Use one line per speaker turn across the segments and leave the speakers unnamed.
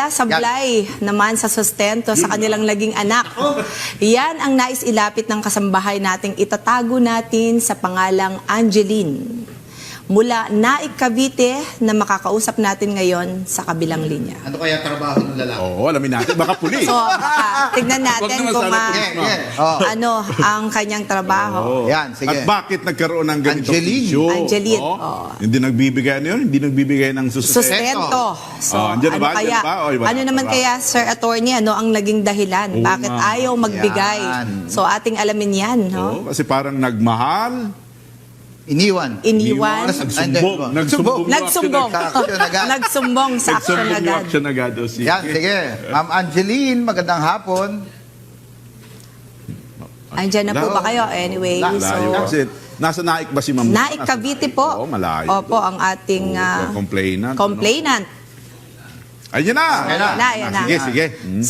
Mula sablay naman sa sustento sa kanilang naging anak. Yan ang nais ilapit ng kasambahay nating itatago natin sa pangalang Angeline. Mula Naik, Cavite na makakausap natin ngayon sa kabilang linya.
Ano kaya trabaho ng lalaki?
Oo, alamin natin. Baka puli.
So, tignan natin
Wag naman
kung
sana pulis, ma'am.
ano ang kanyang trabaho.
Oo.
Yan, sige.
At bakit nagkaroon ng ganitong
Angeline.
issue?
Angeline,
Oo.
oo.
Hindi nagbibigay ano yun? Hindi nagbibigay ng sustento.
Sustento. So,
Andyan na
ano
ba? Andyan
kaya?
na ba? O, iba na?
Ano naman kaya, Sir Attorney, ano ang naging dahilan?
Oo
Bakit
nga.
ayaw magbigay?
Yan.
So, ating alamin yan, no?
Oo, kasi parang nagmahal.
Iniwan.
Iniwan.
Nagsumbong.
Nagsumbong.
Action agad.
Nagsumbong sa action
Nagsumbong
agad.
action agad. O, sige.
Yan, sige. Ma'am Angeline, magandang hapon.
Andyan na po ba kayo? Anyway,
Layo.
Layo.
so...
Kasi nasa Naik ba si Ma'am?
Naik, Cavite po.
Oo, malayo.
Opo, ang ating
complainant.
complainant.
Ayun na.
Ayan na.
Sige, sige.
So,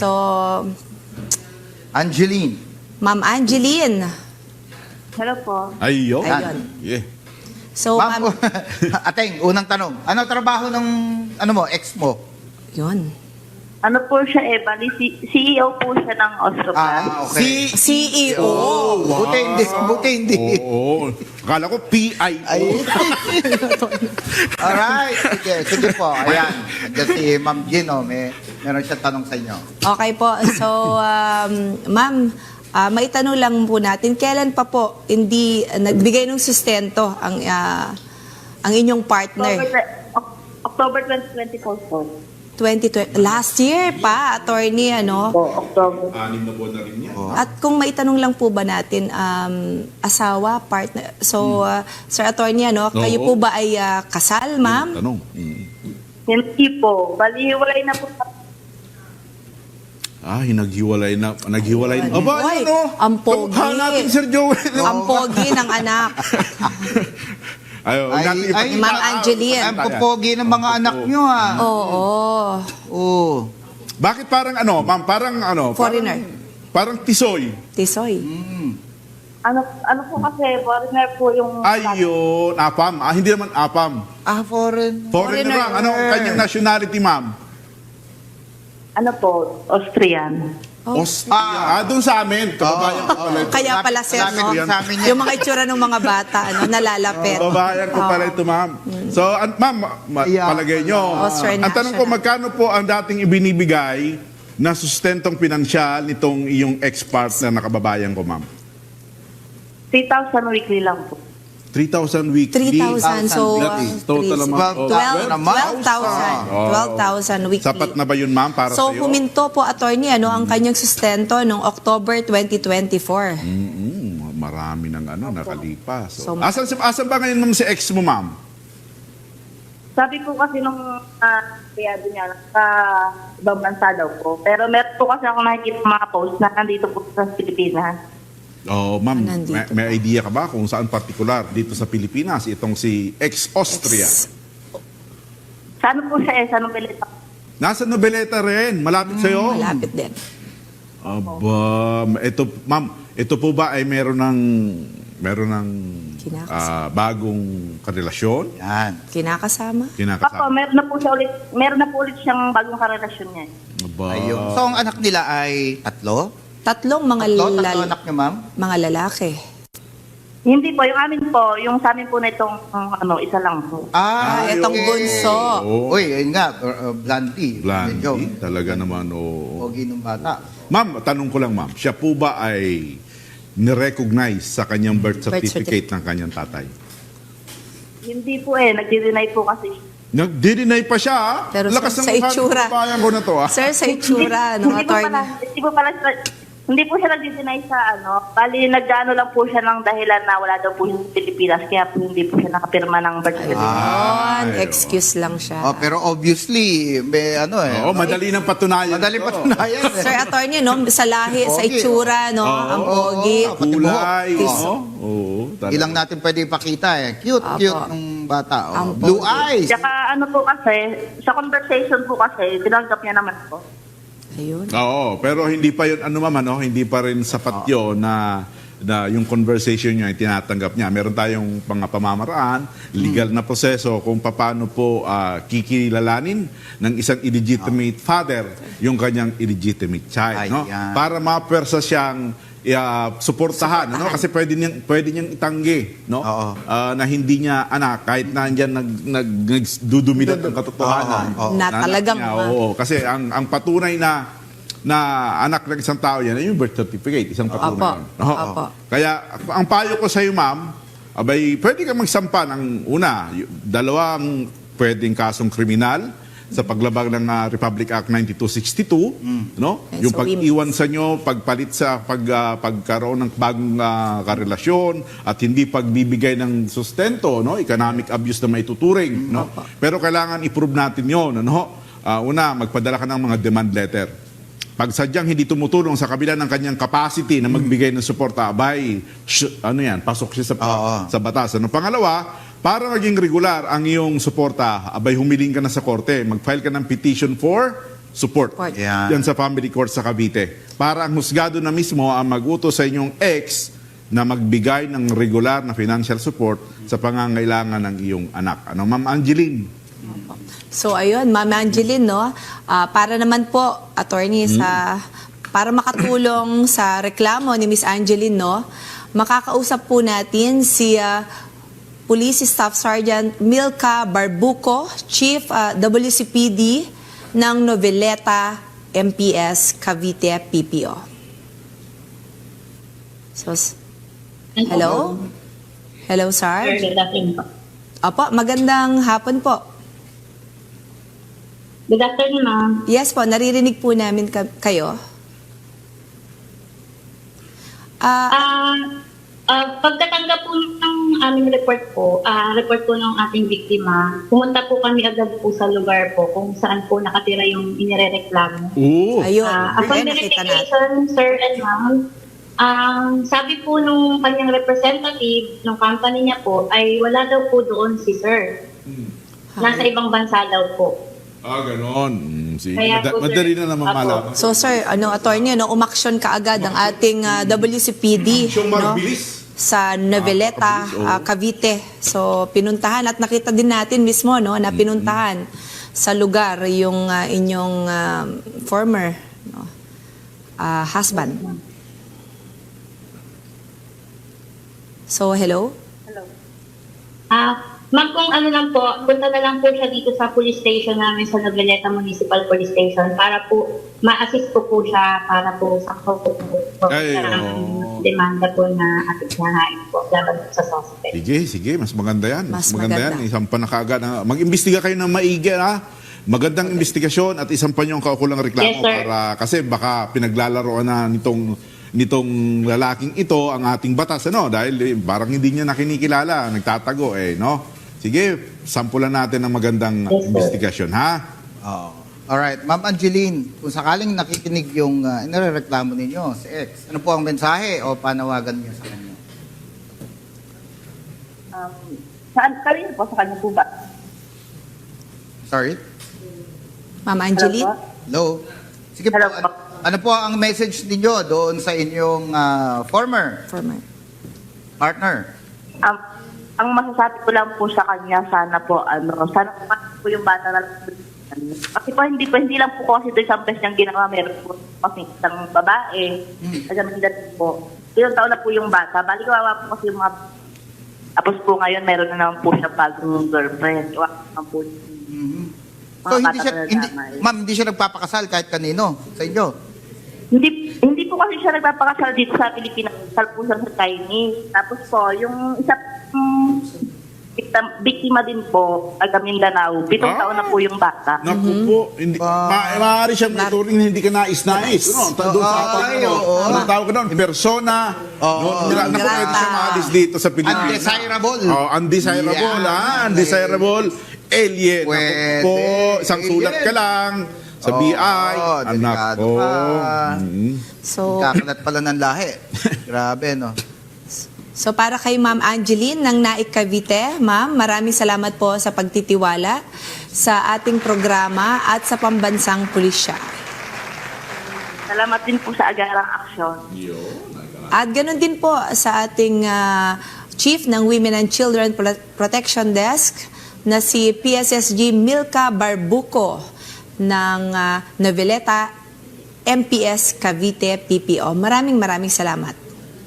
Angeline.
Ma'am Angeline.
Hello po.
Ayun.
Ayun.
Yeah.
So,
Ma'am,
ma'am,
Ateng, unang tanong. Ano trabaho ng ex mo?
yun.
Ano po siya bali CEO po siya ng Ostropan.
Okay.
CEO.
Buti hindi.
Oo. Akala ko PIO.
Ay. Alright. Sige po. Ayan. Andiyan si Ma'am Gino. Meron siya tanong sa inyo.
Okay po. So, ma'am, maitanong lang po natin, kailan pa po hindi nagbigay ng sustento ang inyong partner?
October 2024 po.
2020, last year pa, attorney, ano?
Po, October.
6 na buwan na rin yan.
At kung maitanong lang po ba natin, asawa, partner, so, Sir Attorney, ano, kayo po ba ay kasal, ma'am?
Tanong.
Hindi po. Bali, hiwalay na po.
Naghiwalay na. Naghiwalay na. Aba,
Hoy,
ano?
ang pogi.
Kamukha natin, Sir Joel.
Ang pogi ng anak.
Ay,
Ma'am Angeline.
Ang pupogi ng mga anak nyo, ha?
Oo.
Oo.
Bakit parang ano, ma'am? Parang ano?
Foreigner.
Parang tisoy.
Tisoy.
Ano po kasi, foreigner po yung...
Ayun, apam. Hindi naman apam.
Foreign.
Foreigner lang. Ano ang kanyang nationality, ma'am?
Ano po, Austrian.
Austria. Doon sa amin. Kababayan ko pala ito.
Kaya pala, sir,
Lapit
no?
din sa amin yan.
Yung mga itsura ng mga bata, ano, nalalapit.
Kababayan ko pala ito, ma'am. So, ma'am,
Yeah.
palagay nyo.
Austrian
Ang tanong ko,
national.
magkano po ang dating ibinibigay na sustentong pinansyal nitong iyong ex-partner na kababayan ko, ma'am?
3,000 weekly lang po.
3,000 weekly.
3,000. So,
Total amount.
12,000 weekly.
Sapat na ba yun, ma'am, para
So,
sa'yo?
huminto po, attorney, ano, ang kanyang sustento noong October 2024.
Marami ng nakalipas.
So,
asan ba ngayon, ma'am, si ex mo, ma'am?
Sabi po kasi nung kaya niya, sa ibang bansa daw po. Pero meron po kasi ako nakikita mga post na nandito po sa Pilipinas.
Oh, ma'am,
Nandito
may idea ka ba kung saan particular dito sa Pilipinas itong si ex-Austria?
Saan po siya Sa Nobelita?
Nasa Nobeleta rin, malapit sa'yo.
Malapit din.
Aba, ma'am, ito po ba ay meron ng
Kinakasama.
bagong karelasyon?
Yan.
Kinakasama.
Ako,
Kinakasama.
meron na po ulit siyang bagong karelasyon niya.
Aba.
Ayun. So, ang anak nila ay tatlo?
Tatlong mga
Tatlo anak niyo, ma'am?
mga lalaki.
Hindi po, yung amin po, yung sa amin po na itong isa lang po.
Itong
okay.
bunso.
Oo.
Uy, yun nga, Blanty. Medyo
Blandy, talaga naman, oo.
pogi ng bata.
Ma'am, tanong ko lang, ma'am, siya po ba ay nirecognize sa kanyang birth certificate ng kanyang tatay?
Hindi po nagdi-deny po kasi.
Nag-deny pa siya, ah.
Pero
Lakas
sa
ng mukha ng
itsura.
kababayan ko na to, ah.
Sir, sa itsura, no, attorney.
Hindi po siya nagdi-deny sa bali nag-ano lang po siya ng dahilan na wala daw po siya sa Pilipinas, kaya po hindi po siya nakapirma ng birth certificate.
Yun,
Ay,
excuse lang siya.
Oh, pero obviously, may
Oo, madali ng patunayan.
Madali
to.
patunayan.
Sir Attorney, no, sa lahi, sa
Pogi,
itsura, no, ang pogi.
Pati
Kulay,
buhok.
no? Oo, talaga.
Ilang natin pwede ipakita Cute,
Apo.
cute ng bata.
Ang
Blue
pogi.
eyes.
Tsaka po kasi, sa conversation po kasi, tinanggap niya naman po.
Ayun.
Oo, pero hindi pa yun, ma'am, hindi pa rin sapat yun na na yung conversation niya ay tinatanggap niya. Meron tayong mga pamamaraan, legal na proseso kung paano po kikilalanin ng isang illegitimate father yung kanyang illegitimate child. No?
Ayan.
Para mapersa siyang suportahan, ano? Kasi pwede niyang itanggi, no?
Oo.
Na hindi niya anak kahit na andyan nagdudumilat ang katotohanan.
Oo.
Na
anak
talagang,
niya, oo. Kasi ang patunay na anak ng isang tao yan ay yung birth certificate, isang patunay.
Opo.
Oo.
Opo.
Kaya ang payo ko sa iyo, ma'am, abay pwede kang magsampa ng una, dalawang pwedeng kasong kriminal sa paglabag ng Republic Act 9262, no?
Yes,
Yung
so
pag-iwan sa inyo, pagpalit sa pagkaroon ng bagong karelasyon at hindi pagbibigay ng sustento, no? Economic abuse na may tuturing, no? Pero kailangan i-prove natin 'yon, ano? Una, magpadala ka ng mga demand letter. Pag sadyang hindi tumutulong sa kabila ng kanyang capacity na magbigay ng suporta, abay, pasok siya sa batas. Ano? Pangalawa, para maging regular ang iyong suporta, abay humiling ka na sa korte, mag-file ka ng petition for support.
Yeah.
Yan sa family court sa Cavite. Para ang husgado na mismo ang mag-utos sa inyong ex na magbigay ng regular na financial support sa pangangailangan ng iyong anak. Ano, Ma'am Angeline?
So ayun, Ma'am Angeline, no? Para naman po, attorney, para makatulong sa reklamo ni Miss Angeline, no? Makakausap po natin si Police Staff Sergeant Milka Barbuco, Chief WCPD ng Noveleta MPS Cavite PPO. So, hello? Hello, Sarge?
Good afternoon po.
Opo, magandang hapon po.
Good afternoon, ma'am.
Yes po, naririnig po namin kayo.
Pagkatanggap po ng aming report po ng ating biktima, pumunta po kami agad po sa lugar po kung saan po nakatira yung inirereklamo.
Oo.
Ayun,
Upon
nakita natin.
verification, sir and ma'am, sabi po nung kanyang representative ng company niya po ay wala daw po doon si sir. Nasa ibang bansa daw po.
Ganon. Sige.
Kaya po,
Madali
sir,
na naman
Apo.
malaman.
So sir, attorney, umaksyon ka agad ang ating WCPD,
Siyong
no?
mabilis.
Sa Noveleta,
mabilis, oo.
Cavite. So pinuntahan at nakita din natin mismo, no, na pinuntahan sa lugar yung inyong former husband. So hello?
Ma'am, kung ano lang po, punta na lang po siya dito sa police station namin sa Noveleta Municipal Police Station para po ma-assist po siya para po sa
Ay,
demanda po na ating nahain po laban sa suspect.
Sige, mas maganda yan.
Mas
maganda
maganda.
yan. Isang panakaagad. Mag-imbestiga kayo ng maigi, ha? Magandang investigasyon at isang pa niyong kaukulang reklamo.
Yes, sir.
Kasi baka pinaglalaroan na nitong lalaking ito ang ating batas, ano? Dahil parang hindi niya nakinikilala, nagtatago, no? Sige, sampulan natin ng magandang
Yes, sir.
investigasyon, ha?
Oo. Alright, Ma'am Angeline, kung sakaling nakikinig yung inireklamo ninyo si ex, ano po ang mensahe o panawagan niyo sa kanya?
Kanina po, sa kanya po ba?
Sorry?
Ma'am Angeline?
Hello? Sige po,
Hello po.
ano po ang message ninyo doon sa inyong former
Former.
partner?
Ang masasabi ko lang po sa kanya, sana po po yung bata na lang. Kasi po hindi lang po kasi ito isang beses niyang ginawa, meron po kasi isang babae, nagamindan po. Ilang taon na po yung bata, bali kawawa po kasi yung mga, tapos po ngayon meron na naman po siya bagong girlfriend. Kawawa naman po.
So ma'am, hindi siya nagpapakasal kahit kanino sa inyo?
Hindi po kasi siya nagpapakasal dito sa Pilipinas, kasal po siya sa Chinese. Tapos po, yung isa biktima din po, taga Mindanao. 7 taon na po yung bata.
Naku po, maaari siyang ituring na hindi ka nais-nais. Ano? Doon sa anong tawag ka doon? Persona. Naku, pwede siya maalis dito sa Pilipinas.
Undesirable.
Undesirable,
Yeah.
Undesirable. Alien. Naku
Pwede.
po, isang sulat ka lang sa BI. Anak
delikado
ko.
ka.
So,
Kakalat pala ng lahi. Grabe, no?
so para kay Ma'am Angeline ng Naik Cavite, Ma'am, maraming salamat po sa pagtitiwala sa ating programa at sa pambansang pulisya.
Salamat din po sa agarang aksyon.
At ganun din po sa ating Chief ng Women and Children Protection Desk na si PSSG Milka Barbuco ng Noveleta MPS Cavite PPO. Maraming salamat.